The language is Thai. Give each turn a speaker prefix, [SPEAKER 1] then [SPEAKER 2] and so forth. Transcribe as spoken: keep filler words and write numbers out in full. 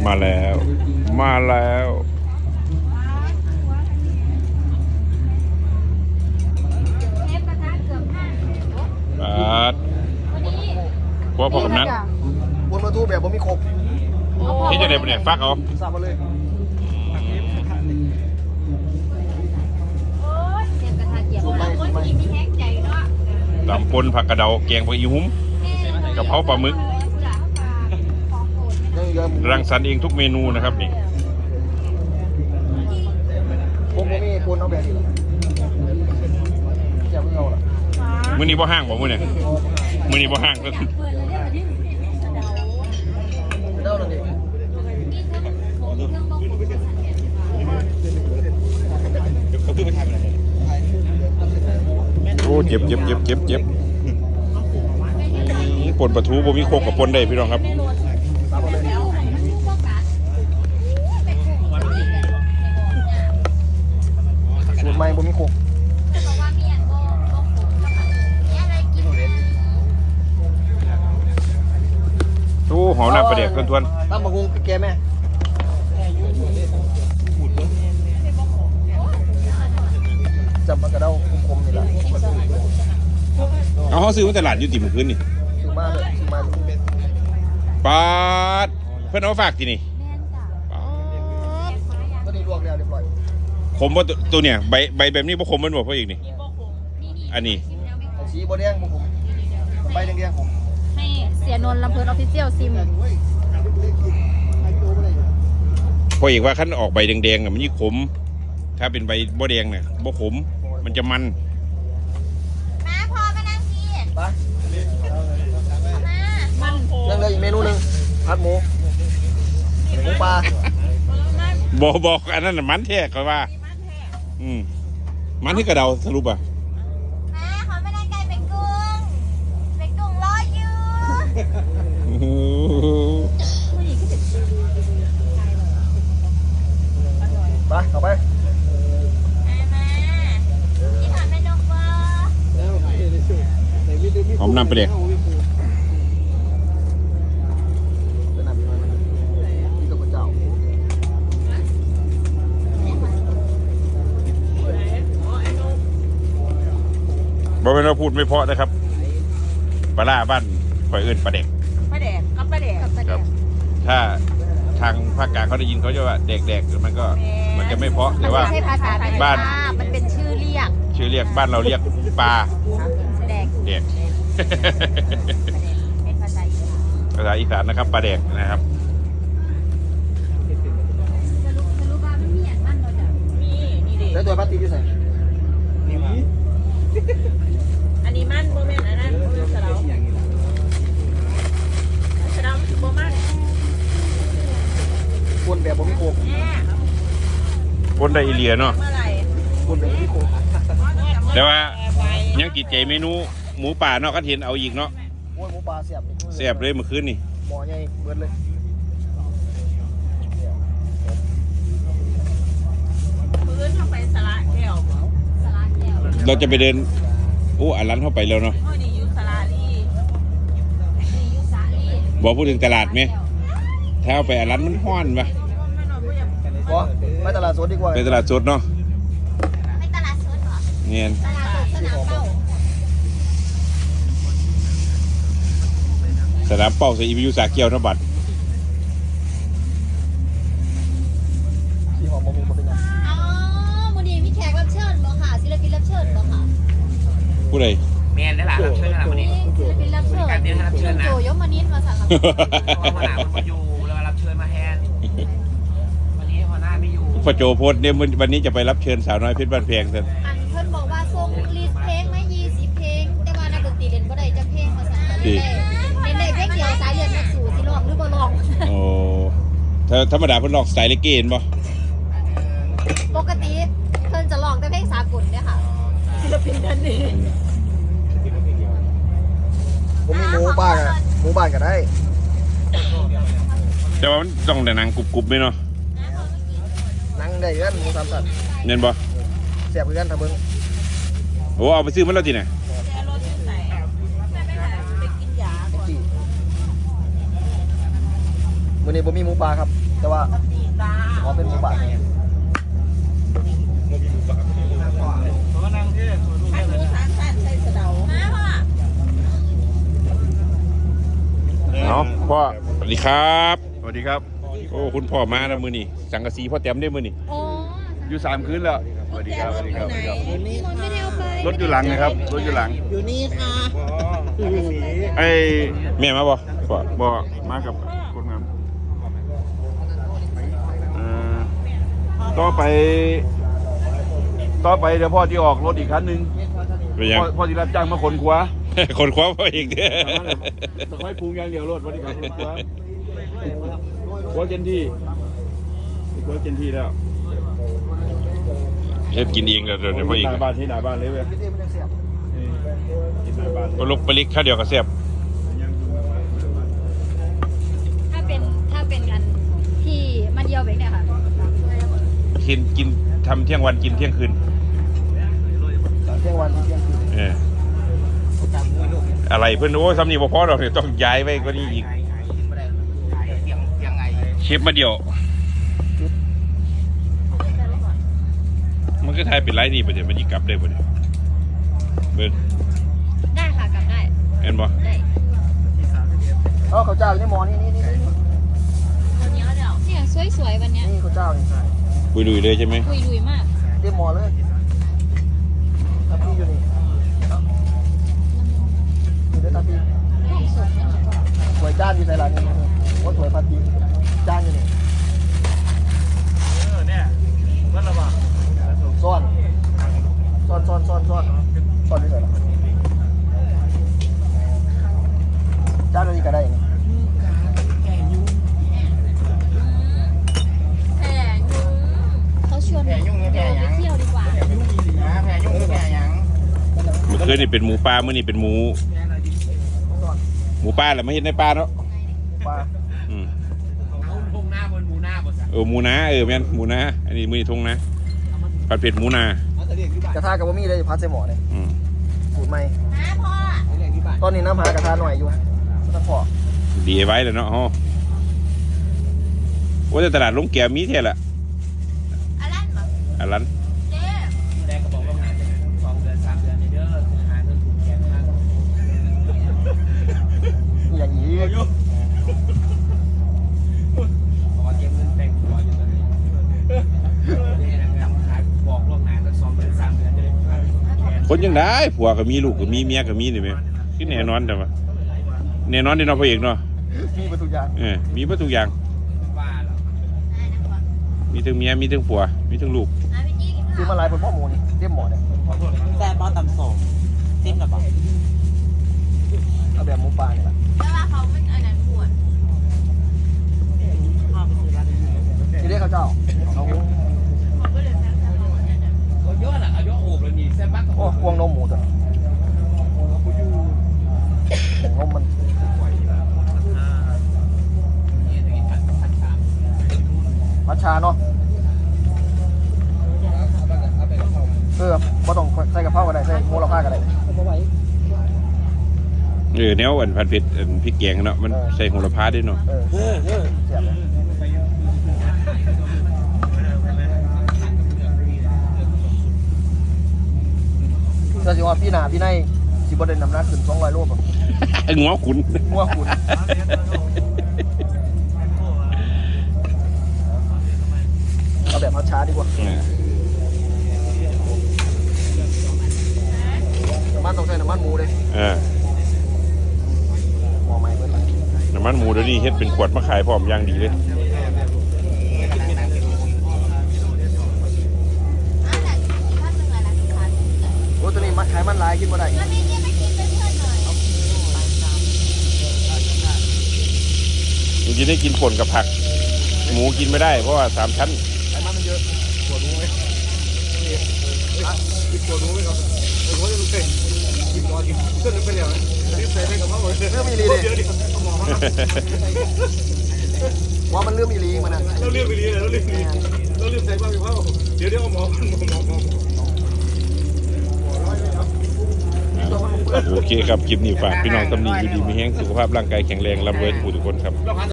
[SPEAKER 1] มาแล้วมาแล้วอาดพวกพอกำนัน
[SPEAKER 2] บนประตูแบบผมมีครบ
[SPEAKER 1] ที่จะได้ปะเนี่ยฟักเอา
[SPEAKER 2] ทราบมาเลย
[SPEAKER 1] ตำปนผักกระเดาแกงผักอีหุ้มกะเพราปลาหมึกรังสรรค์เองทุกเมนูนะครับนี่
[SPEAKER 2] ผมมีปูนเอาแบบนี้จะไม่เอาหรอ
[SPEAKER 1] มื้อนี้บ่ห้างบ่มื้อเนี่ยมื้อนี้บ่ห้างก็โอ้เจ็บเจ็บเจ็บเจ็บเจ็บปนปลาทูบ่มีโคกกับปนได้พี่น้องครับ
[SPEAKER 2] สูตรใหม่บ่มีโคก
[SPEAKER 1] โอ้หอมน้ำปลาเด็กทวน
[SPEAKER 2] ๆตั้มบักฮุงแกแม่จำปากกระเด้าคมๆนี่แหละ
[SPEAKER 1] เอาเขาซื้อมาตลาดอยู่ติ่มคืนนี่
[SPEAKER 2] ซื้อมาเลยซื้อมา
[SPEAKER 1] ปาดเพื่อนเอาฝากที่นี่
[SPEAKER 2] ตัวนี้ลวกแล้วเรียบร้อย
[SPEAKER 1] ขมว่าตัวเนี่ยใบใบแบบนี้พวกขมมันบอกเพราะอีกนี่อันนี้
[SPEAKER 2] สีโบแดงผมใบแดงๆผม
[SPEAKER 3] ให้เสียนนท์ลำเพลินออฟฟิเชียลซิม
[SPEAKER 1] พออีกว่าขั้นออกใบแดงๆน่ะมันยิ่งขมถ้าเป็นใบโบแดงเนี่ยโบขมมันจะมัน
[SPEAKER 3] มาพอมานั่งกิน
[SPEAKER 2] มานั่งเลยอีกเมนูหนึ่งผัดหมูหมูปลา
[SPEAKER 1] บอกบอกอันนั้นมันแท้ก็ว่าอืมมันที่กระเดาสรุปอ่ะ
[SPEAKER 3] มาขอมานั่งไก่เป็นกุ้งเป็นกุ้งรออยู่
[SPEAKER 2] ไปเข้าไป
[SPEAKER 1] หอมน้ำไปเด็กบ่เป็นเราพูดไม่เพราะนะครับปลาล่าบ้านข่อยเอิ้นปลาเด็ก
[SPEAKER 3] ปลาแดกกับปลาแดก
[SPEAKER 1] ครับถ้าทางภาคกลางเขาได้ยินเขาจะว่าเด็กๆมันก็มันจะไม่เพราะแต่ว่าบ้าน
[SPEAKER 3] มันเป็นชื่อเรียก
[SPEAKER 1] ชื่อเรียกบ้านเราเรียกปลา
[SPEAKER 3] แดก
[SPEAKER 1] เด็ก
[SPEAKER 3] เป็นภาษาอีสาน
[SPEAKER 1] ภาษาอีสานนะครับปลาเด็กนะครับ
[SPEAKER 2] แล้วตัวปลาตีอยู่ไหน
[SPEAKER 3] อันนี้มันโมเมนต์อันนั้นสะเดาสะเดาโมมัน
[SPEAKER 2] ปนแบบผมมีโคก
[SPEAKER 1] ปนได้อีเลียเนาะ
[SPEAKER 2] ปนแบบผมมีโคก
[SPEAKER 1] แต่ว่ายังติดใจเมนูหมูป่าเนาะก็เห็นเอาอีกเนาะ
[SPEAKER 2] โอ้ยหมูป่าเสียบ
[SPEAKER 1] เสียบเลยเมื่อคืนนี่
[SPEAKER 2] หมอใหญ่เบิดเลย
[SPEAKER 3] พื้นเข้าไปสละแก้วสละแก้ว
[SPEAKER 1] เราจะไปเดินโอ้อันร้านเข้าไปแล้วเนาะบอกพูดถึงตลาดไหมถ้าเอาไปอันร้านมันห้อนปะ
[SPEAKER 2] ก็ไปตลาดสดดีกว่า
[SPEAKER 1] ไปตลาดสดเนาะ
[SPEAKER 3] ไปตลาดสดเหรอ
[SPEAKER 1] เนียน
[SPEAKER 3] ตลาดสดสนามเป้า
[SPEAKER 1] สนามเป้าใส่อีวิวสาเกียวทบัด
[SPEAKER 2] ที่หอมมุมเป็นยัง
[SPEAKER 3] อ๋อวันนี้มีแขกรับเชิญบ่ค่ะศิลปินรับเชิญบ่ค่ะ
[SPEAKER 1] ผู้ใด
[SPEAKER 4] แมนได้หล่ะรับเชิญนะวันนี้
[SPEAKER 3] ศิลปินรับเชิญ
[SPEAKER 4] การเดินรับเชิญนะ
[SPEAKER 3] โจยมานิดมาสั่งกับ
[SPEAKER 4] หัวหน้ามันมาอยู่แล้วรับเชิญมาแทนวันนี้หัวหน้าไม่อยู่
[SPEAKER 1] พอโจโพสเนี่ยวันนี้จะไปรับเชิญสาวน้อยเพชรบ้านแพงกัน
[SPEAKER 3] อันเพิ่นบอกว่าส่งลิสต์เพลงมายี่สิบเพลงแต่ว่านักดนตรีเล่นบ่ได้จะเพลงมาสั่งกันเล่นได้เล่นได้เพลงเดียวสายเลือดนักสู้สิร้องหรือบ่ร้อง
[SPEAKER 1] โอ้ถ้าธรรมดาเพิ่นร้องสไตล์เลเกนบ่
[SPEAKER 3] ปกติเพิ่นจะร้องแต่เพลงสากลเนี่ยค่ะศิลปินท่านนี้
[SPEAKER 2] ผมมีหมูบ้านอะหมูบ้านก็ได้
[SPEAKER 1] แต่ว่ามันต้องแต่หนังกรุบๆไหมเนาะ
[SPEAKER 2] นั่งได้กันหมูสามสัตว์
[SPEAKER 1] เน้นบ่
[SPEAKER 2] แซ่บคือกันทำเบิ้ง
[SPEAKER 1] โอ้เอาไปซื้อมันแล้วทีไหน
[SPEAKER 2] มื้อนี้บ่มีหมูปลาครับ แต่ว่าขอเป็นหมูปลา
[SPEAKER 1] เอาพ่อสวัสดีครับ
[SPEAKER 5] สวัสดีครับ
[SPEAKER 1] โอ้คุณพ่อมาแล้วมือนี่สังกะสีพ่อแต้มได้มือนี่
[SPEAKER 3] โอ้
[SPEAKER 5] อยู่สามคืนแล้วสวัสดีครับสวัสดีครับสวัสดีครับ
[SPEAKER 3] พี่มนต์ไม่ได้เอาไป
[SPEAKER 5] รถอยู่หลังนะครับรถอยู่หลัง
[SPEAKER 6] อยู่นี่ค่ะ
[SPEAKER 5] ไอ้
[SPEAKER 1] แม่มาบ่พ่อ
[SPEAKER 5] บ่มากับคนงานเอ่อต่อไป ต่อไปเดี๋ยวพ่อที่ออกรถอีกคันหนึ่ง
[SPEAKER 1] เป็นยัง
[SPEAKER 5] พ่อพ่อที่รับจ้างมาขนขวา
[SPEAKER 1] คนคว้าพ่ออีกเด้อ
[SPEAKER 5] ต้องให้ปรุงอย่างเดียวรถวันนี้ครับขนขวาขวาเจนที่ขวาเจนที่แล้ว
[SPEAKER 1] เฮ็ดกินเองแล้วเดี๋ยวเดี๋ยวพ่ออีก
[SPEAKER 5] หน้าบ้านที่หน้าบ้านเลยเว้ยกินหน้าบ้าน
[SPEAKER 1] ก็ลุกไปลิกข้าวเดียวกับแซ่บ
[SPEAKER 3] ถ้าเป็นถ้าเป็นกันที่มันเยียวแบบเนี่ยค่ะ
[SPEAKER 1] กินกินทำเที่ยงวันกินเที่ยงคืน
[SPEAKER 2] เที่ยงวันเที่ยงคืน
[SPEAKER 1] เอออะไรเพื่อนโอ้ยทำนี่บ่พอหรอกเนี่ยต้องย้ายไปก็นี่อีกเชฟมาเดียว มันก็ทายเป็นไรนี่ประเดี๋ยวมันยิ่งกลับได้ประเดี๋ยวเบิ้ล
[SPEAKER 3] ได้ค่ะกลับได้
[SPEAKER 1] เห็นบ่
[SPEAKER 3] ได้
[SPEAKER 2] เอ้าข้าวเจ้าอยู่ในหม้อนี่นี่นี่นี่
[SPEAKER 3] เนี่ยสวยๆวันเนี้ย
[SPEAKER 2] นี่ข้าวเจ้านี่
[SPEAKER 1] บุยลุยเลยใช่ไหม
[SPEAKER 3] คุยลุยมาก
[SPEAKER 2] เต็มหม้อเลยตาพี่อยู่นี่อยู่ด้วยตาพี่
[SPEAKER 3] ของสดเนี่ยค่ะ
[SPEAKER 2] สวยจานอยู่ในร้านนี้ว่าสวยพาตีจานอยู่นี่ซ่อนซ่อนซ่อนซ่อนซ่อนซ่อนที่ไหนล่ะจานนี้ก็ได้นี่
[SPEAKER 3] เขาชวนไปเที่ยวดีกว่า
[SPEAKER 1] เมื่อคืนนี่เป็นหมูปลาเมื่อนี่เป็นหมู
[SPEAKER 2] ซ่อน
[SPEAKER 1] หมูปลาแหละไม่เห็นในปลาเนาะ
[SPEAKER 2] ปลา
[SPEAKER 1] อืม
[SPEAKER 4] ทุ่งหน้าบนหมูหน้าบน
[SPEAKER 1] เออหมูนาเออแม่นหมูนาอันนี้มือนี่ทงนะผัดเผ็ดหมูนาก
[SPEAKER 2] ระทะกับบะหมี่เลยพัดใส่หม้อเลย
[SPEAKER 1] อืม
[SPEAKER 2] สูตรใหม่ตอนนี้น้ำหากระทะหน่อยอยู่สักพอ
[SPEAKER 1] ดีไว้แล้วเนาะฮะว่าแต่ตลาดลงแก้วมีเท่าละ
[SPEAKER 3] อันนั้นเหรอ
[SPEAKER 1] อันนั้น
[SPEAKER 3] เจ๊
[SPEAKER 4] แรกก็บอกว่าหาจะสองเดือนสามเดือนในเด้อหาเงินผูกแขนมา
[SPEAKER 2] อย่างนี้
[SPEAKER 4] ขอเก็บเงินแต่งตัวอยู่ตอนนี้จำขายบอกล่วงหน้าสักสองเดือนสามเดือนจะได้แขน
[SPEAKER 1] คนยังได้ผัวก็มีลูกก็มีเมียก็มีนี่ไหมคือแน่นอนแต่ว่าแน่นอนที่เนาะพ่อเอกเนาะ
[SPEAKER 2] มีประตูยาง
[SPEAKER 1] เออมีหมดทุกอย่าง
[SPEAKER 4] ว่าแล้ว
[SPEAKER 1] มีทั้งเมียมีทั้งผัวมีทั้งลูก
[SPEAKER 3] อ่ะพี่จี้กิน
[SPEAKER 2] คือ
[SPEAKER 3] ข้าว
[SPEAKER 2] มาลายบนหม้อหมูนี่เต็มหม้อเนี่ย
[SPEAKER 6] แต่บอตำส่งจิ้มกับบอก
[SPEAKER 2] เอาแบบหมูปลาเนี่ยแหละ
[SPEAKER 3] แต่ว่าเขาไม่อันนั้นปวด
[SPEAKER 6] ข้าวไปซื้อร้านนี้
[SPEAKER 2] ทีนี้ข้าวเจ้าเอาหมู
[SPEAKER 3] เขาก็เลยแพ้ทำเอาเนี่ย
[SPEAKER 4] เอาเยอะน่ะเอาเยอะโอบเลยนี่เส้นบัก
[SPEAKER 2] โอ้พวงนมหมูตัวนี้นมมันมัชชาเนาะเออบ่ต้องใส่กะเพราก็ได้ใส่โมละผ้าก็ได้
[SPEAKER 1] เออแนวอันผัดเผ็ดอันพริกแกงเนาะมันใส่โหระพาด้วยเนาะ
[SPEAKER 2] เออเออเออเสียบเลยก็สิว่าพี่หนาพี่ในสิบ่ได้น้ำหนักขึ้นสองร้อยโลบ่
[SPEAKER 1] งัวขุน
[SPEAKER 2] งัวขุนเอาแบบมัชชาดีกว่า
[SPEAKER 1] เออ
[SPEAKER 2] น้ำมันต้องใช้น้ำมันหมูเลย
[SPEAKER 1] เออ
[SPEAKER 2] หม้อใหม่เบิดเลย
[SPEAKER 1] น้ำมันหมูเดี๋ยวนี้เฮ็ดเป็นขวดมาขายพร้อมอย่างดีเลย
[SPEAKER 3] อ่ะแต่อีกท่านหนึ่งอะไรนะคะ
[SPEAKER 2] โอ้ตัวนี้มันขายมันหลายกินบ่ได้
[SPEAKER 3] แล้วพี่จี้ไม่กินเป็นเพื่อนหน่อย
[SPEAKER 1] จริงๆได้กินป่นกับผัก หมูกินไม่ได้เพราะว่าสามชั้น
[SPEAKER 2] ไขมันมันเยอะปวดรู้ไหมกินปวดรู้ไหมครับไอ้คนจะรู้สึกกินนอนกินเส้นไปแล้วรีบใส่ให้กับเขาเลยเรื่องมีลีเลยว่ามันเรื่องมีลีมันอ่ะ
[SPEAKER 5] เราเรียกไปเรียนเราเรียกไปเรียนเราเรียกใส่บ้างกับเขาเดี๋ยวเดี๋ยวเอาหมอหมอหมอหมอ
[SPEAKER 1] โอเคครับคลิปนี้ฝากพี่น้องตำหนิอยู่ดีมีแห้งสุขภาพร่างกายแข็งแรงร่ำรวยทุกคนครับ